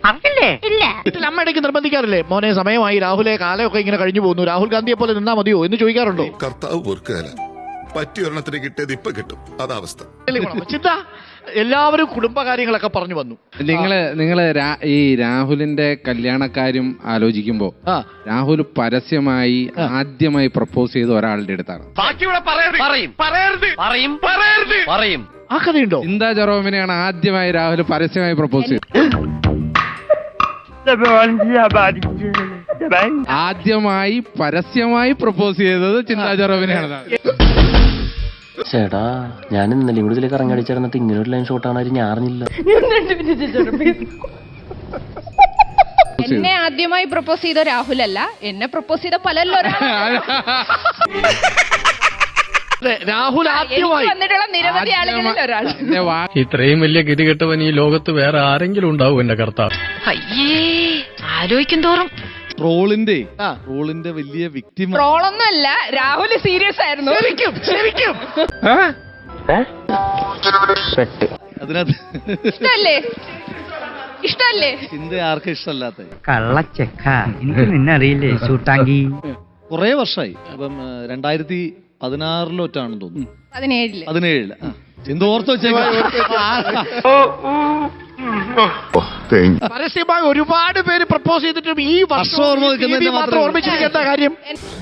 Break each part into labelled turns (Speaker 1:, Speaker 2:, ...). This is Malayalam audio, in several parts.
Speaker 1: ഇല്ല.
Speaker 2: വീട്ടിൽ അമ്മ ഇടയ്ക്ക് നിർബന്ധിക്കാറില്ലേ, മോനെ സമയമായി, രാഹുലെ കാലമൊക്കെ ഇങ്ങനെ കഴിഞ്ഞു പോകുന്നു, രാഹുൽ ഗാന്ധിയെ പോലെ നിന്നാ മതിയോ എന്ന് ചോദിക്കാറുണ്ടോ?
Speaker 3: കർത്താവ് പൊറുക്കുകയല്ല, പറ്റിയ ഒരെണ്ണത്തിന് കിട്ടിയത് ഇപ്പൊ കിട്ടും, അതാവസ്ഥ.
Speaker 2: ചിന്ത എല്ലാവരും കുടുംബകാര്യങ്ങളൊക്കെ പറഞ്ഞു വന്നു.
Speaker 4: നിങ്ങള് ഈ രാഹുലിന്റെ കല്യാണക്കാര്യം ആലോചിക്കുമ്പോ രാഹുൽ പരസ്യമായി ആദ്യമായി പ്രപ്പോസ് ചെയ്ത ഒരാളുടെ അടുത്താണ്.
Speaker 2: ആ കഥയുണ്ടോ?
Speaker 4: ചിന്താ ജെറോമിനെയാണ് ആദ്യമായി രാഹുൽ പരസ്യമായി പ്രപ്പോസ് ചെയ്തത്. ആദ്യമായി പരസ്യമായി പ്രപ്പോസ് ചെയ്തത് ചിന്താ ജെറോമിനെയാണ്.
Speaker 5: ചേട്ടാ, ഞാൻ ഇന്നലെ കൂടി ഇതിലേക്ക് ഇറങ്ങടിച്ചിരുന്നിട്ട് ഇങ്ങനെ ഒരു ലൈൻ ഷോട്ടാണ് ഞാൻ അറിഞ്ഞില്ല.
Speaker 6: എന്നെ ആദ്യമായി പ്രപ്പോസ് ചെയ്ത രാഹുലല്ല, എന്നെ പ്രപ്പോസ് ചെയ്ത പലല്ലോ.
Speaker 2: രാഹുൽ ആദ്യമായി
Speaker 6: വന്നിട്ടുള്ള നിരവധി ആളുകളിൽ ഒരാൾ.
Speaker 7: ഇത്രയും വലിയ ഗതികെട്ടവൻ ഈ ലോകത്ത് വേറെ ആരെങ്കിലും ഉണ്ടാവും എന്റെ കർത്താവ്.
Speaker 1: അയ്യേ, ആലോചിക്കും തോറും
Speaker 8: ട്രോളിന്റെ വലിയ വിക്ടിം.
Speaker 6: ട്രോളൊന്നുമല്ല, രാഹുൽ സീരിയസ് ആയിരുന്നു.
Speaker 2: ശരിക്കും
Speaker 8: അതിനകത്ത്
Speaker 6: ഇഷ്ടല്ലേ
Speaker 8: ചിന്ത ആർക്കും ഇഷ്ടമല്ലാത്ത
Speaker 9: കള്ളച്ചെക്ക. എനിക്ക് നിന്നെ അറിയില്ലേ ചൂട്ടാങ്കി?
Speaker 8: കൊറേ വർഷമായി. അപ്പം 2016 തോന്നുന്നു, 17 ചിന്ത ഓർത്ത് വെച്ചേക്കാം.
Speaker 2: പരസ്യമായി ഒരുപാട് പേര് പ്രപ്പോസ് ചെയ്തിട്ടും ഈ വർഷം മാത്രം ഓർമ്മിച്ചിരിക്കേണ്ട കാര്യം.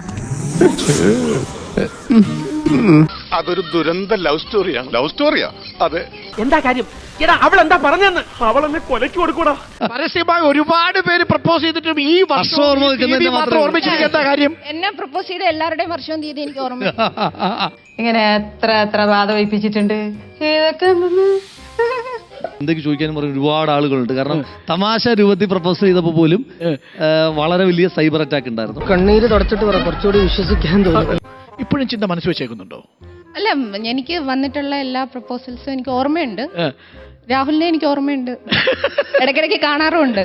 Speaker 3: അതൊരു ദുരന്ത ലവ് സ്റ്റോറിയാണ്. ലവ് സ്റ്റോറിയാ? അതെ.
Speaker 9: എന്താ കാര്യം? എടാ, അവളെന്താ പറഞ്ഞെന്ന്? അവളെന്നെ കൊലയ്ക്ക് കൊടുക്കൂടാ.
Speaker 2: പരസ്യമായി ഒരുപാട് പേര് പ്രപ്പോസ് ചെയ്തിട്ടും ഈ വർഷം മാത്രം ഓർമ്മിച്ചിരിക്കേണ്ട കാര്യം.
Speaker 6: എന്നെ പ്രപ്പോസ് ചെയ്ത എല്ലാവരുടെയും വർഷവും തീയതി എനിക്ക് ഓർമ്മ.
Speaker 1: ഇങ്ങനെ എത്ര ബാധ വയ്പ്പിച്ചിട്ടുണ്ട്.
Speaker 8: എന്തൊക്കെ ചോദിക്കാനും പറഞ്ഞ ഒരുപാട് ആളുകളുണ്ട്. കാരണം തമാശ രൂപത്തിൽ പ്രപ്പോസ് ചെയ്തപ്പോ പോലും വളരെ വലിയ സൈബർ അറ്റാക്ക് ഉണ്ടായിരുന്നു.
Speaker 9: കണ്ണീര് തുടച്ചിട്ട് പറ, കുറച്ചുകൂടി വിശ്വസിക്കാൻ തോന്നുന്നു.
Speaker 2: ഇപ്പോഴും ചിന്ത മനസ്സ് വെച്ചേക്കുന്നുണ്ടോ?
Speaker 6: അല്ല, എനിക്ക് വന്നിട്ടുള്ള എല്ലാ പ്രപ്പോസൽസും എനിക്ക് ഓർമ്മയുണ്ട്. രാഹുലിനെ എനിക്ക് ഓർമ്മയുണ്ട്, ഇടയ്ക്കിടയ്ക്ക് കാണാറുമുണ്ട്.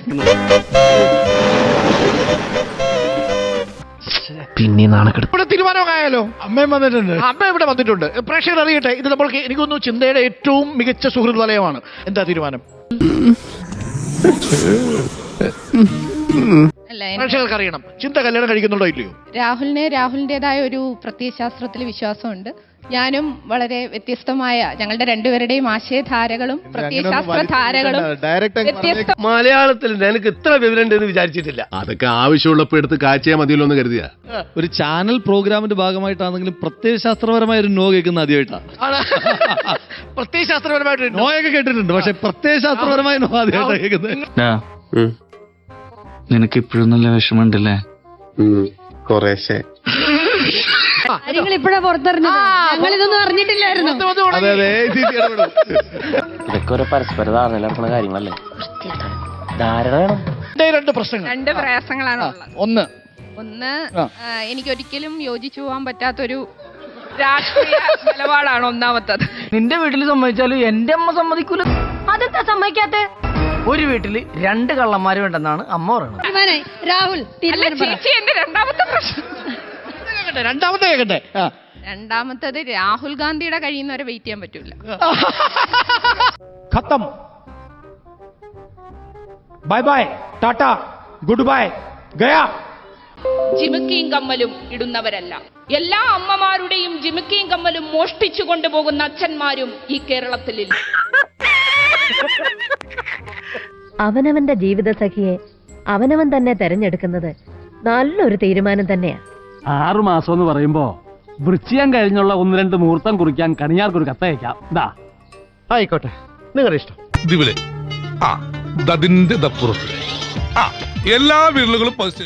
Speaker 5: പിന്നെ നാണക്കെടുത്ത്
Speaker 2: ഇവിടെ തീരുമാനമായാലോ?
Speaker 8: അമ്മയും വന്നിട്ടുണ്ട്.
Speaker 2: അമ്മ ഇവിടെ വന്നിട്ടുണ്ട്. പ്രേക്ഷകർ അറിയട്ടെ, ഇത് നമ്മൾക്ക് എനിക്കൊന്നു ചിന്തയുടെ ഏറ്റവും മികച്ച സുഹൃത്ത് വലയമാണ്. എന്താ തീരുമാനം?
Speaker 6: അല്ല,
Speaker 2: പ്രേക്ഷകർക്ക് അറിയണം, ചിന്ത കല്യാണം കഴിക്കുന്നുണ്ടോ ഇല്ലയോ?
Speaker 6: രാഹുലിൻ്റെതായ ഒരു പ്രത്യയശാസ്ത്രത്തിൽ വിശ്വാസമുണ്ട്. ഞാനും വളരെ വ്യത്യസ്തമായ, ഞങ്ങളുടെ രണ്ടുപേരുടെയും ആശയധാരകളും പ്രത്യയശാസ്ത്ര ധാരകളും വ്യത്യസ്ത.
Speaker 7: മലയാളത്തിൽ എനിക്ക് ഇത്ര വിവരം ഉണ്ടെന്ന് വിചാരിച്ചിട്ടില്ല.
Speaker 3: അതൊക്കെ ആവശ്യമുള്ളപ്പോ എടുത്ത് കാഴ്ചയാ മതിയല്ലോ എന്ന് കരുതിയാ.
Speaker 8: ഒരു ചാനൽ പ്രോഗ്രാമിന്റെ ഭാഗമായിട്ടാണെങ്കിലും പ്രത്യയശാസ്ത്രപരമായ ഒരു നോ കേൾക്കുന്ന ആദ്യമായിട്ടാണ്.
Speaker 2: പ്രത്യയശാസ്ത്രപരമായിട്ട്
Speaker 8: നോയൊക്കെ കേട്ടിട്ടുണ്ട്, പക്ഷെ പ്രത്യയശാസ്ത്രപരമായ നോ ആദ്യമായിട്ടാണ് കേൾക്കുന്നത്.
Speaker 7: നിനക്ക് ഇപ്പോഴും നല്ല വിഷമമുണ്ടല്ലേ?
Speaker 3: കുറേശ്ശെ.
Speaker 1: നിങ്ങൾ ഇപ്പഴാ പുറത്തറിഞ്ഞത്, ഞങ്ങൾ ഇതൊന്നും അറിഞ്ഞിട്ടില്ലായിരുന്നു.
Speaker 5: ഇതൊക്കെ ഒരു പരസ്പര ധാരണ നടക്കുന്ന കാര്യങ്ങളല്ലേ? ധാരണ വേണം.
Speaker 6: രണ്ട് പ്രയാസങ്ങളാണ് ഉള്ളത്.
Speaker 2: ഒന്ന്
Speaker 6: എനിക്കൊരിക്കലും യോജിച്ചു പോകാൻ പറ്റാത്തൊരു രാഷ്ട്രീയ നിലപാടാണ് ഒന്നാമത്തത്.
Speaker 9: നിന്റെ വീട്ടിൽ സമ്മതിച്ചാലും എന്റെ അമ്മ സമ്മതിക്കൂല.
Speaker 1: അതെന്താ സമ്മതിക്കാത്തെ?
Speaker 9: ഒരു വീട്ടില് 2 കള്ളന്മാരും ഉണ്ടെന്നാണ് അമ്മ പറയുന്നത്.
Speaker 1: രാഹുൽ,
Speaker 6: അല്ല ചേച്ചി, എന്റെ രണ്ടാമത്തെ പ്രശ്നം. രണ്ടാമത്തത് രാഹുൽ ഗാന്ധിയുടെ കഴിയുന്നവരെ വെയിറ്റ് ചെയ്യാൻ പറ്റൂല.
Speaker 9: ഖത്തം, bye bye, tata, good bye, ഗയാ.
Speaker 6: ജിമിക്കിയും കമ്മലും ഇടുന്നവരല്ല. എല്ലാ അമ്മമാരുടെയും ജിമിക്കിയും കമ്മലും മോഷ്ടിച്ചു കൊണ്ടുപോകുന്ന അച്ഛന്മാരും ഈ കേരളത്തിലില്ല.
Speaker 1: അവനവന്റെ ജീവിത സഖിയെ അവനവൻ തന്നെ തെരഞ്ഞെടുക്കുന്നത് നല്ലൊരു തീരുമാനം തന്നെയാ.
Speaker 9: 6 മാസം എന്ന് പറയുമ്പോ വൃശ്ചികം കഴിഞ്ഞുള്ള 1-2 മുഹൂർത്തം കുറിക്കാൻ കണിയാർക്കൊരു കത്തയക്കാം. ആയിക്കോട്ടെ, നിങ്ങളുടെ ഇഷ്ടം.
Speaker 3: ഇതിവിടെ അതിന്റെ ദപ്പുറത്ത് എല്ലാ വീടുകളും